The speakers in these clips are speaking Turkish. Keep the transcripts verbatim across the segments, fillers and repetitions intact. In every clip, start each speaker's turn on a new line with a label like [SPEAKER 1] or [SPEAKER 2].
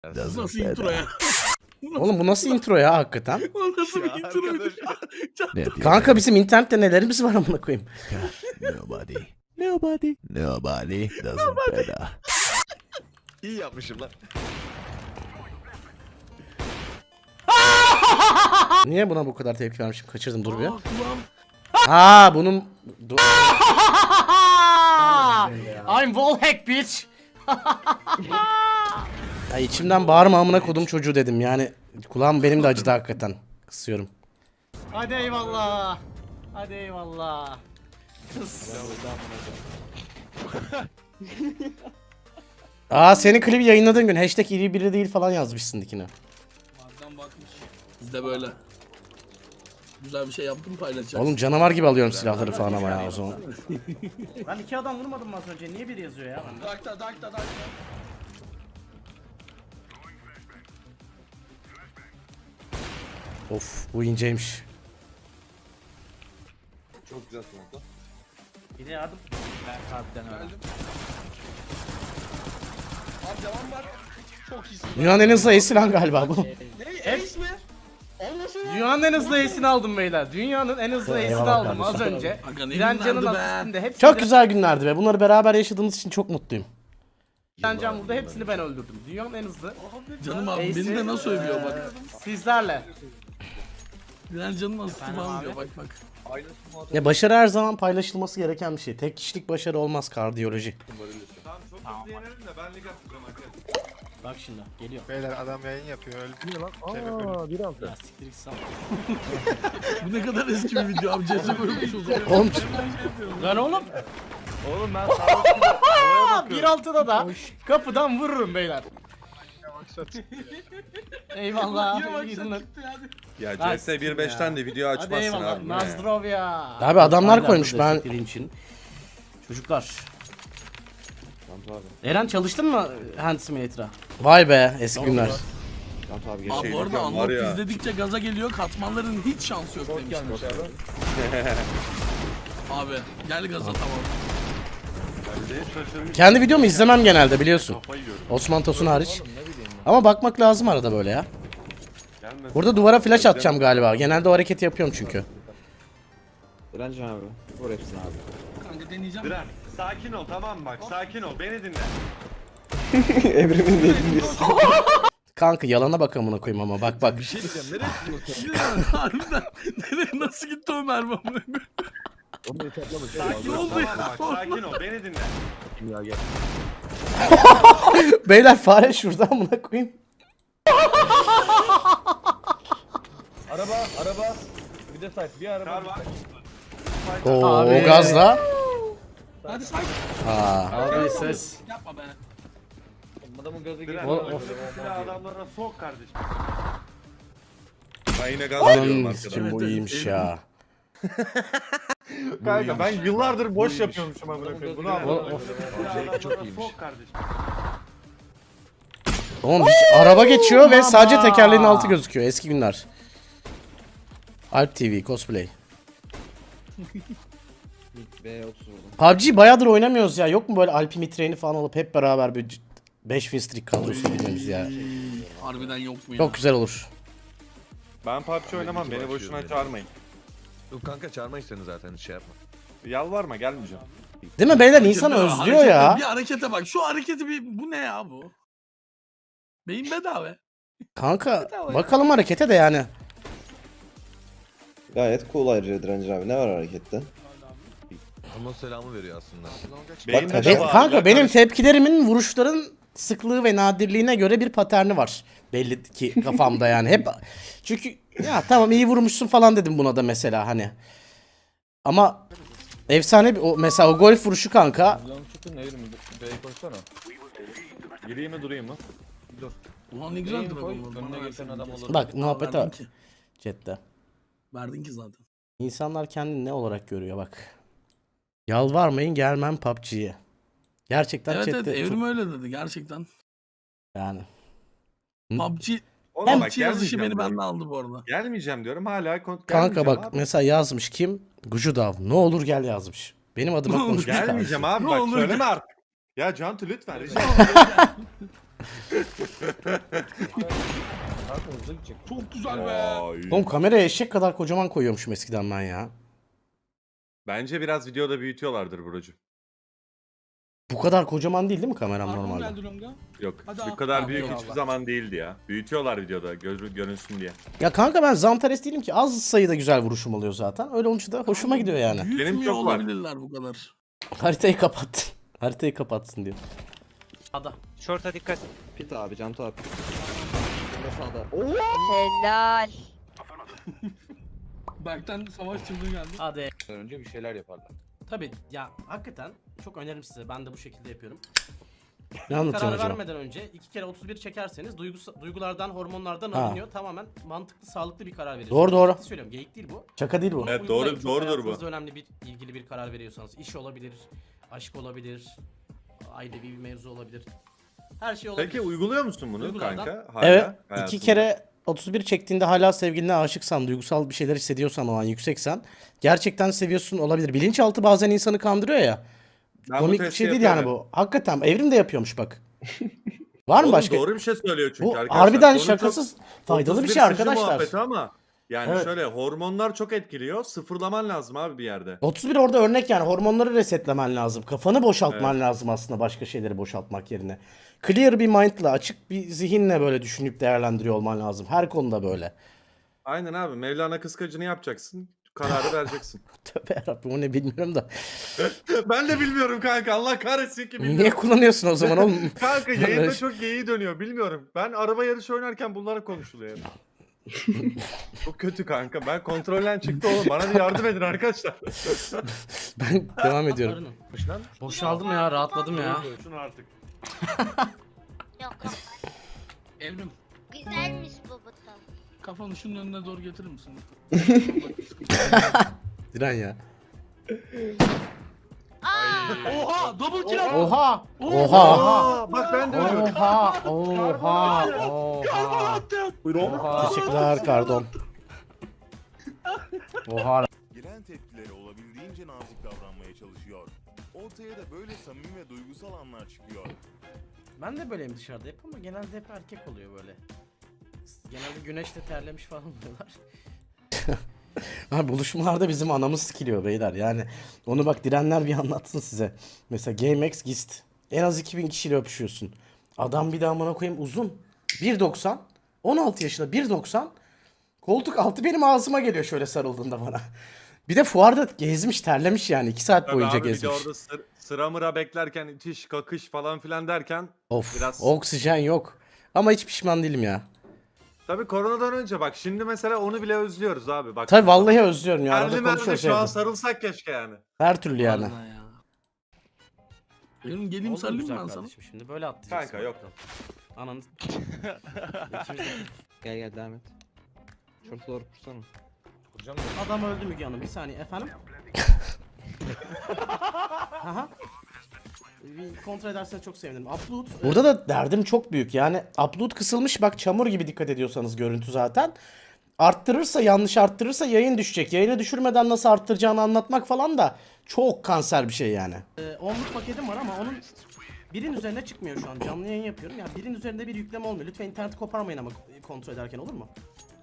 [SPEAKER 1] Nasıl intro ya?
[SPEAKER 2] Oğlum bu nasıl intro ya hakikaten?
[SPEAKER 1] O nasıl bir introydu?
[SPEAKER 2] Kanka bizim internette nelerimiz var amına koyayım.
[SPEAKER 3] Nobody. Nobody. Nobody doesn't better.
[SPEAKER 4] İyi yapmışım lan.
[SPEAKER 2] Niye buna bu kadar tepki vermişim? Kaçırdım dur bir.
[SPEAKER 1] Aa, kulağım.
[SPEAKER 2] Aa bunun... Dur. I'm wallhack bitch. Ya içimden bağırma amına kodum çocuğu dedim yani. Kulağım benim de acıdı hakikaten. Kısıyorum. Hadi eyvallah. Hadi eyvallah. Kıs. Aa senin klibi yayınladığın gün hashtag iri biri değil falan yazmışsın dikine.
[SPEAKER 1] Madem bakmış. Biz de böyle. Güzel bir şey yaptım paylaşacağız.
[SPEAKER 2] Oğlum canavar gibi alıyorum silahları falan ama ya o zaman. Ben iki adam vurmadım mı az önce? Niye biri yazıyor ya?
[SPEAKER 1] Dakta dakta dakta.
[SPEAKER 2] Of bu inceymiş.
[SPEAKER 4] Çok güzel smoke'la.
[SPEAKER 2] Bir de yardım.
[SPEAKER 1] Geldim. Abi devam var. Çok iyisin.
[SPEAKER 2] Dünyanın en hızlı ace'ini lan galiba bu.
[SPEAKER 1] Ne? Ace mi? Olmasın ya.
[SPEAKER 2] Dünyanın en hızlı ace'ini aldım beyler. Dünyanın en hızlı ace'ini aldım az önce.
[SPEAKER 1] Aga ne
[SPEAKER 2] Direncan'ın
[SPEAKER 1] günlerdi be.
[SPEAKER 2] asistinde hepsini... Çok güzel günlerdi be. Bunları beraber yaşadığımız için çok mutluyum. Direncan burada hepsini ben öldürdüm. Dünyanın en hızlı
[SPEAKER 1] Canım abi
[SPEAKER 2] Ace'i,
[SPEAKER 1] beni de nasıl övüyor bak.
[SPEAKER 2] sizlerle.
[SPEAKER 1] Diren canım asisti falan diyor bak bak.
[SPEAKER 4] Aynı smoke'la.
[SPEAKER 2] Ya başarı her zaman paylaşılması gereken bir şey. Tek kişilik başarı olmaz kardiyoloji.
[SPEAKER 4] Tamam çok hızlı yenerim de ben lig atacağım arkadaşlar.
[SPEAKER 2] Bak şimdi geliyor.
[SPEAKER 5] Beyler adam yayın yapıyor öldü lan. Aa bir altı.
[SPEAKER 2] Ya siktir git sal.
[SPEAKER 1] Bu ne kadar eski bir video abi. Ceze koymuş o zaman.
[SPEAKER 2] Oğlum lan oğlum.
[SPEAKER 4] Oğlum ben sana
[SPEAKER 2] bir altıda da kapıdan vururum beyler. Eyvallah. iyi günler.
[SPEAKER 6] Ya
[SPEAKER 2] Lan
[SPEAKER 6] C S bir nokta beşten de video
[SPEAKER 2] Hadi
[SPEAKER 6] açmazsın
[SPEAKER 2] eyvallah.
[SPEAKER 6] abi. bu ne?
[SPEAKER 2] Nazdrovya. Abi adamlar koymuş ben. Için. Çocuklar. Eren çalıştın mı Hand Simulator'a? Vay be eski günler.
[SPEAKER 6] Bir
[SPEAKER 1] Abi
[SPEAKER 6] şey
[SPEAKER 1] bu arada
[SPEAKER 6] diyeceğim, var
[SPEAKER 1] Unlock
[SPEAKER 6] ya.
[SPEAKER 1] izledikçe gaza geliyor. Katmanların hiç şansı yok demişler. Abi gel gaza tamam.
[SPEAKER 2] Kendi videomu izlemem genelde biliyorsun. Osman Tosun hariç. Ama bakmak lazım arada böyle ya. Burada duvara flash atacağım galiba. Genelde o hareketi yapıyorum çünkü.
[SPEAKER 7] Direncan abi. Vur hepsini abi.
[SPEAKER 1] Kanka deneyeceğim.
[SPEAKER 4] Diren sakin ol tamam mı bak sakin ol beni dinle.
[SPEAKER 7] Evrimin dediğini
[SPEAKER 2] Kanka yalana bak amına koyayım ama bak bak.
[SPEAKER 4] Bir şey diyeceğim nereye gidiyorsun?
[SPEAKER 1] Diren harbiden. Nereye nasıl gitti o mermi amına koyayım?
[SPEAKER 4] Sakin
[SPEAKER 1] Ne
[SPEAKER 4] ol
[SPEAKER 1] oldu
[SPEAKER 4] tamam
[SPEAKER 1] ya?
[SPEAKER 4] mı bak sakin ol beni dinle.
[SPEAKER 2] Beyler fare şurada amına koyayım.
[SPEAKER 5] Araba araba. Bir de site bir araba.
[SPEAKER 4] Kar var.
[SPEAKER 2] Oo Abi. gazla.
[SPEAKER 1] Hadi sakin.
[SPEAKER 2] Aa. Abi ses.
[SPEAKER 1] Yapma be.
[SPEAKER 5] Adamın gazı
[SPEAKER 4] Diren
[SPEAKER 2] O-
[SPEAKER 4] önündeki silah adamlarına sok kardeşim.
[SPEAKER 6] Ben yine gaz veriyorum
[SPEAKER 2] Anam
[SPEAKER 6] arkadan.
[SPEAKER 2] sikim bu iyiymiş ya.
[SPEAKER 5] Kanka ben yıllardır boş yapıyormuşum amına koyayım. Bunu anladım.
[SPEAKER 4] Silah adamlarına sok kardeşim.
[SPEAKER 2] Oğlum hiç araba geçiyor ve sadece tekerleğin altı gözüküyor. Eski günler. Alp T V cosplay.
[SPEAKER 7] B otuz vurdum.
[SPEAKER 2] P U B G bayağıdır oynamıyoruz ya. Yok mu böyle Alp'i mitreni falan alıp hep beraber bir beş win streak kadrosu girmemiz ya.
[SPEAKER 1] Harbiden yok mu ya?
[SPEAKER 2] Çok güzel olur.
[SPEAKER 6] Ben P U B G oynamam beni boşuna çağırmayın.
[SPEAKER 4] Yok kanka çağırmayız seni zaten hiç şey yapma.
[SPEAKER 6] Yalvarma gelmeyeceğim.
[SPEAKER 2] Değil mi beyler insan özlüyor
[SPEAKER 1] Harekete-
[SPEAKER 2] ya.
[SPEAKER 1] Bir harekete bak. Şu hareketi bir bu ne ya bu? Beyin bedava.
[SPEAKER 2] Kanka bakalım harekete de yani.
[SPEAKER 7] Gayet cool ayrıca Direncan abi. Ne var harekette?
[SPEAKER 4] Onun selamı veriyor aslında.
[SPEAKER 6] Beyin
[SPEAKER 2] Be-
[SPEAKER 6] de var,
[SPEAKER 2] kanka
[SPEAKER 6] ya
[SPEAKER 2] benim
[SPEAKER 6] kardeşim.
[SPEAKER 2] tepkilerimin vuruşların sıklığı ve nadirliğine göre bir paterni var. Belli ki kafamda yani. Hep çünkü ya tamam iyi vurmuşsun falan dedim buna da mesela hani. Ama efsane bir o mesela o golf vuruşu kanka.
[SPEAKER 5] Çıkın ne yürüyeyim? B'ye koşsana.
[SPEAKER 6] Gireyim mi durayım mı?
[SPEAKER 1] Ulan ne güzel duruyor.
[SPEAKER 5] Önüne geçen adam olur.
[SPEAKER 2] Bak muhabbete
[SPEAKER 1] Verdin
[SPEAKER 2] bak.
[SPEAKER 1] ki.
[SPEAKER 2] Chatte.
[SPEAKER 1] Verdin ki zaten.
[SPEAKER 2] İnsanlar kendini ne olarak görüyor bak. Yalvarmayın gelmem P U B G'ye. Gerçekten
[SPEAKER 1] Evet
[SPEAKER 2] chatte
[SPEAKER 1] evet
[SPEAKER 2] çok-
[SPEAKER 1] Evrim öyle dedi gerçekten.
[SPEAKER 2] yani.
[SPEAKER 1] P U B G,
[SPEAKER 6] Oğlum
[SPEAKER 1] P U B
[SPEAKER 6] bak
[SPEAKER 1] G yazışı
[SPEAKER 6] gelmeyeceğim
[SPEAKER 1] beni
[SPEAKER 6] diyorum.
[SPEAKER 1] benden aldı bu arada.
[SPEAKER 6] Gelmeyeceğim diyorum hala kon-
[SPEAKER 2] Kanka
[SPEAKER 6] gelmeyeceğim
[SPEAKER 2] bak
[SPEAKER 6] abi.
[SPEAKER 2] mesela yazmış kim? Gucudav. Ne olur gel yazmış. Benim adıma
[SPEAKER 1] Ne olur
[SPEAKER 2] konuşmuş.
[SPEAKER 6] Gelmeyeceğim
[SPEAKER 2] kardeşim.
[SPEAKER 6] abi
[SPEAKER 1] Ne
[SPEAKER 6] bak
[SPEAKER 1] olur
[SPEAKER 6] söyleme artık. Ya Cantu lütfen rica
[SPEAKER 5] Kanka hızlı gidecek.
[SPEAKER 1] Çok güzel be.
[SPEAKER 6] Vay.
[SPEAKER 2] Oğlum kameraya eşek kadar kocaman koyuyormuşum eskiden ben ya.
[SPEAKER 6] Bence biraz videoda büyütüyorlardır Buracığım.
[SPEAKER 2] Bu kadar kocaman değil değil mi kameram
[SPEAKER 1] Armon
[SPEAKER 2] normalde?
[SPEAKER 1] geldi Longa.
[SPEAKER 6] Yok
[SPEAKER 1] Hadi
[SPEAKER 6] bu
[SPEAKER 1] abi.
[SPEAKER 6] kadar
[SPEAKER 1] Abi,
[SPEAKER 6] büyük
[SPEAKER 1] eyvallah.
[SPEAKER 6] hiçbir zaman değildi ya. Büyütüyorlar videoda gör, görünsün diye.
[SPEAKER 2] Ya kanka ben Zantares değilim ki, az sayıda güzel vuruşum oluyor zaten. Öyle olunca da hoşuma gidiyor yani.
[SPEAKER 1] Büyütmüyor
[SPEAKER 6] çok var.
[SPEAKER 1] olabilirler bu kadar.
[SPEAKER 2] Haritayı kapat. Haritayı kapatsın diyor.
[SPEAKER 8] Ada.
[SPEAKER 9] Short'a dikkat.
[SPEAKER 7] Pit abi, Cantu abi. Şimdi sağda. Oo!
[SPEAKER 10] Helal.
[SPEAKER 1] Berk'ten savaş çıldığı geldi.
[SPEAKER 2] Hadi.
[SPEAKER 5] Önce bir şeyler yaparlar.
[SPEAKER 2] Tabii ya, hakikaten çok öneririm size. Ben de bu şekilde yapıyorum.
[SPEAKER 7] Ne
[SPEAKER 2] Karar
[SPEAKER 7] anlatıyorsun acaba?
[SPEAKER 2] vermeden önce iki kere otuz bir çekerseniz duygus- duygulardan, hormonlardan
[SPEAKER 7] Ha.
[SPEAKER 2] alınıyor. Tamamen mantıklı, sağlıklı bir karar veriyorsunuz.
[SPEAKER 7] Doğru, doğru.
[SPEAKER 2] Ciddi söylüyorum, geyik değil bu.
[SPEAKER 7] Şaka değil bu.
[SPEAKER 2] Bunu
[SPEAKER 6] Evet,
[SPEAKER 2] uygulayın.
[SPEAKER 6] doğru-
[SPEAKER 2] Çok
[SPEAKER 6] doğrudur bu.
[SPEAKER 2] hayatınızda önemli bir ilgili bir karar veriyorsanız. İş olabilir, aşk olabilir, ailevi bir mevzu olabilir. Her şey olabilir.
[SPEAKER 6] Peki uyguluyor musun bunu
[SPEAKER 2] Duygulardan-
[SPEAKER 6] kanka? Hala
[SPEAKER 7] Evet. iki
[SPEAKER 6] hayatında?
[SPEAKER 7] kere otuz bir çektiğinde hala sevgiline aşıksan, duygusal bir şeyler hissediyorsan, o an yükseksen, gerçekten seviyorsun olabilir. Bilinçaltı bazen insanı kandırıyor ya.
[SPEAKER 6] Ben bu
[SPEAKER 7] Komik bir
[SPEAKER 6] testi
[SPEAKER 7] şey değil
[SPEAKER 6] yapıyorum.
[SPEAKER 7] yani bu. Hakikaten Evrim de yapıyormuş bak. Var mı
[SPEAKER 6] Oğlum
[SPEAKER 7] başka?
[SPEAKER 6] doğru bir şey söylüyor çünkü
[SPEAKER 7] Bu
[SPEAKER 6] arkadaşlar.
[SPEAKER 7] harbiden
[SPEAKER 6] Konu
[SPEAKER 7] şakasız
[SPEAKER 6] çok-
[SPEAKER 7] faydalı bir
[SPEAKER 6] otuz
[SPEAKER 7] şey
[SPEAKER 6] sıkıcı
[SPEAKER 7] arkadaşlar.
[SPEAKER 6] muhabbeti ama yani
[SPEAKER 7] Evet.
[SPEAKER 6] şöyle hormonlar çok etkiliyor. Sıfırlaman lazım abi bir yerde.
[SPEAKER 7] otuz bir orada örnek yani, hormonları resetlemen lazım. Kafanı boşaltman lazım aslında, başka şeyleri boşaltmak yerine. Clear bir mind'la, açık bir zihinle böyle düşünüp değerlendiriyor olman lazım. Her konuda böyle.
[SPEAKER 6] Aynen abi. Mevlana kıskacını yapacaksın. Kararı vereceksin.
[SPEAKER 7] Tövbe yarabbim, o ne bilmiyorum da.
[SPEAKER 6] Ben de bilmiyorum kanka. Allah kahretsin ki bilmiyorum.
[SPEAKER 7] Niye kullanıyorsun o zaman oğlum?
[SPEAKER 6] Kanka yayında çok geyiği dönüyor. Bilmiyorum. Ben araba yarışı oynarken bunlara konuşuluyor. hep. Çok kötü kanka. Ben kontrolden çıktı oğlum. Bana bir yardım edin arkadaşlar.
[SPEAKER 7] Ben devam ediyorum.
[SPEAKER 2] Boşaldım ya, rahatladım ya.
[SPEAKER 6] Şunu artık.
[SPEAKER 10] Yok yok.
[SPEAKER 1] Evrim,
[SPEAKER 10] Güzelmiş bu buton.
[SPEAKER 1] kafanı şunun önüne doğru getirir misin?
[SPEAKER 7] Diren ya.
[SPEAKER 10] Aa,
[SPEAKER 1] Oha, double kill attı.
[SPEAKER 7] Oha! Oha!
[SPEAKER 6] Aa, bak ben de öyle.
[SPEAKER 7] Oha! Oha! Oha! Oha! Teşekkürler Kardon. Oha!
[SPEAKER 3] Gelen tepkilere olabildiğince nazik davranmaya çalışıyor. Ortaya da böyle samimi ve duygusal anlar çıkıyor.
[SPEAKER 2] Ben de böyleyim dışarıda hep, ama genelde hep erkek oluyor böyle. Genelde güneşte terlemiş falan oluyorlar.
[SPEAKER 7] Abi buluşmalarda bizim anamız sikiliyor beyler yani. Onu bak Direnler bir anlatsın size. Mesela GameX Gist. En az iki bin kişiyle öpüşüyorsun. Adam bir daha amına koyayım uzun. bir doksan. on altı yaşında bir doksan. Koltuk altı benim ağzıma geliyor şöyle sarıldığında bana. Bir de fuarda gezmiş, terlemiş yani. iki saat
[SPEAKER 6] Tabii
[SPEAKER 7] boyunca
[SPEAKER 6] abi, bir de
[SPEAKER 7] gezmiş.
[SPEAKER 6] orada sır- sıra mıra beklerken itiş kakış falan filan derken
[SPEAKER 7] Of,
[SPEAKER 6] biraz-
[SPEAKER 7] oksijen yok. Ama hiç pişman değilim ya.
[SPEAKER 6] tabii koronadan önce bak şimdi mesela onu bile özlüyoruz abi. Bak.
[SPEAKER 7] Tabii vallahi özlüyorum ya.
[SPEAKER 6] Terli
[SPEAKER 7] Arada
[SPEAKER 6] merli
[SPEAKER 7] konuşuyoruz
[SPEAKER 6] şu an
[SPEAKER 7] evde.
[SPEAKER 6] sarılsak keşke yani.
[SPEAKER 7] Her türlü yani.
[SPEAKER 1] Vallahi ya. Evrim geleyim
[SPEAKER 2] Oldu
[SPEAKER 1] sarılayım
[SPEAKER 2] güzel
[SPEAKER 1] ben sana.
[SPEAKER 2] kardeşim, şimdi böyle atlayacaksın.
[SPEAKER 6] Kanka yok.
[SPEAKER 2] Ananı... İkimiz de-
[SPEAKER 7] Gel gel devam et. Şurada doğru kursana.
[SPEAKER 5] Kuracağım
[SPEAKER 2] Adam öldü Müge Hanım, bir saniye efendim. Aha. Bir kontrol ederseniz çok sevinirim. Upload. e,
[SPEAKER 7] Burada da derdim çok büyük. Yani upload kısılmış, bak çamur gibi, dikkat ediyorsanız görüntü zaten. Arttırırsa, yanlış arttırırsa yayın düşecek. Yayını düşürmeden nasıl arttıracağını anlatmak falan da çok kanser bir şey yani.
[SPEAKER 2] e, onluk paketim var ama onun birin üzerine çıkmıyor şu an. Canlı yayın yapıyorum. Yani birin üzerinde bir yükleme olmuyor. Lütfen interneti koparmayın ama kontrol ederken, olur mu?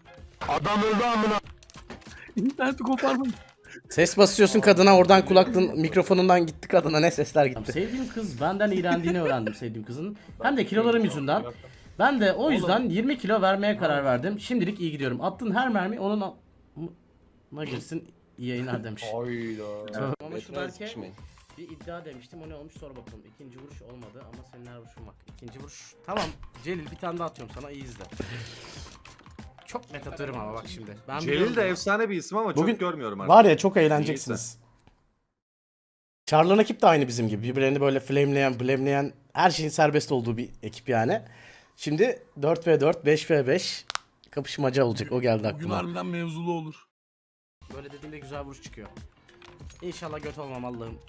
[SPEAKER 1] İnterneti koparmayın.
[SPEAKER 7] Ses basıyorsun kadına, oradan kulaklığın mikrofonundan gitti kadına, ne sesler gitti.
[SPEAKER 2] Sevdiğim kız benden iğrendiğini öğrendim sevdiğim kızın. Hem de kilolarım yüzünden. Ben de o yüzden yirmi kilo vermeye karar verdim. Şimdilik iyi gidiyorum. Attığın her mermi onun a- girsin, iyi yayınlar demiş.
[SPEAKER 5] Hayda.
[SPEAKER 2] Ama şu Berke bir iddia demiştim, o ne olmuş sor bakalım. İkinci vuruş olmadı ama senin her vuruşun bak. İkinci vuruş. Tamam Celil, bir tane daha atıyorum sana, iyi izle. Çok net atıyorum ama bak şimdi. Ben
[SPEAKER 6] Celil
[SPEAKER 2] biliyorum
[SPEAKER 6] de
[SPEAKER 2] bunu.
[SPEAKER 6] efsane bir isim ama
[SPEAKER 7] Bugün
[SPEAKER 6] çok görmüyorum artık.
[SPEAKER 7] Var ya, çok eğleneceksiniz. Charlan ekip de aynı bizim gibi. Birbirlerini böyle flameleyen, blameleyen, her şeyin serbest olduğu bir ekip yani. Şimdi dört ve dört, beş ve beş kapışmaca olacak. O geldi
[SPEAKER 1] Bugün
[SPEAKER 7] aklıma.
[SPEAKER 1] harbiden mevzulu olur.
[SPEAKER 2] Böyle dediğimde güzel vuruş çıkıyor. İnşallah göt olmam Allah'ım.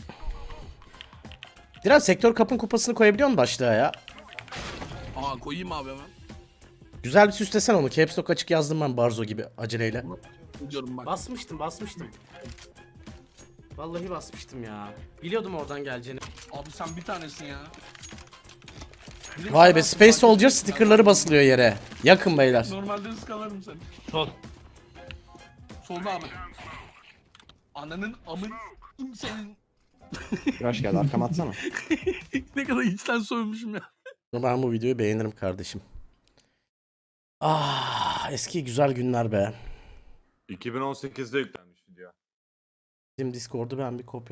[SPEAKER 7] Diren, sektör kapın kupasını koyabiliyor musun başlığa ya?
[SPEAKER 1] Aa koyayım abi hemen.
[SPEAKER 7] Güzel bir süslesen onu. Caps Lock açık yazdım ben Barzo gibi aceleyle.
[SPEAKER 1] Gidiyorum bak.
[SPEAKER 2] Basmıştım basmıştım. Vallahi basmıştım ya. Biliyordum oradan geleceğini.
[SPEAKER 1] Abi sen bir tanesin ya.
[SPEAKER 2] Vay be, Space Soldier stickerları basılıyor yere. Yakın beyler.
[SPEAKER 1] Normalde ıskalarım seni.
[SPEAKER 5] Sol.
[SPEAKER 1] Solda abi. Ananın amın senin.
[SPEAKER 5] Rush geldi arkama atsana.
[SPEAKER 1] Ne kadar içten soymuşum ya.
[SPEAKER 2] Ben bu videoyu beğenirim kardeşim. Ah, eski güzel günler be.
[SPEAKER 6] iki bin on sekizde yüklenmiş video.
[SPEAKER 2] Bizim Discord'u ben bir kopya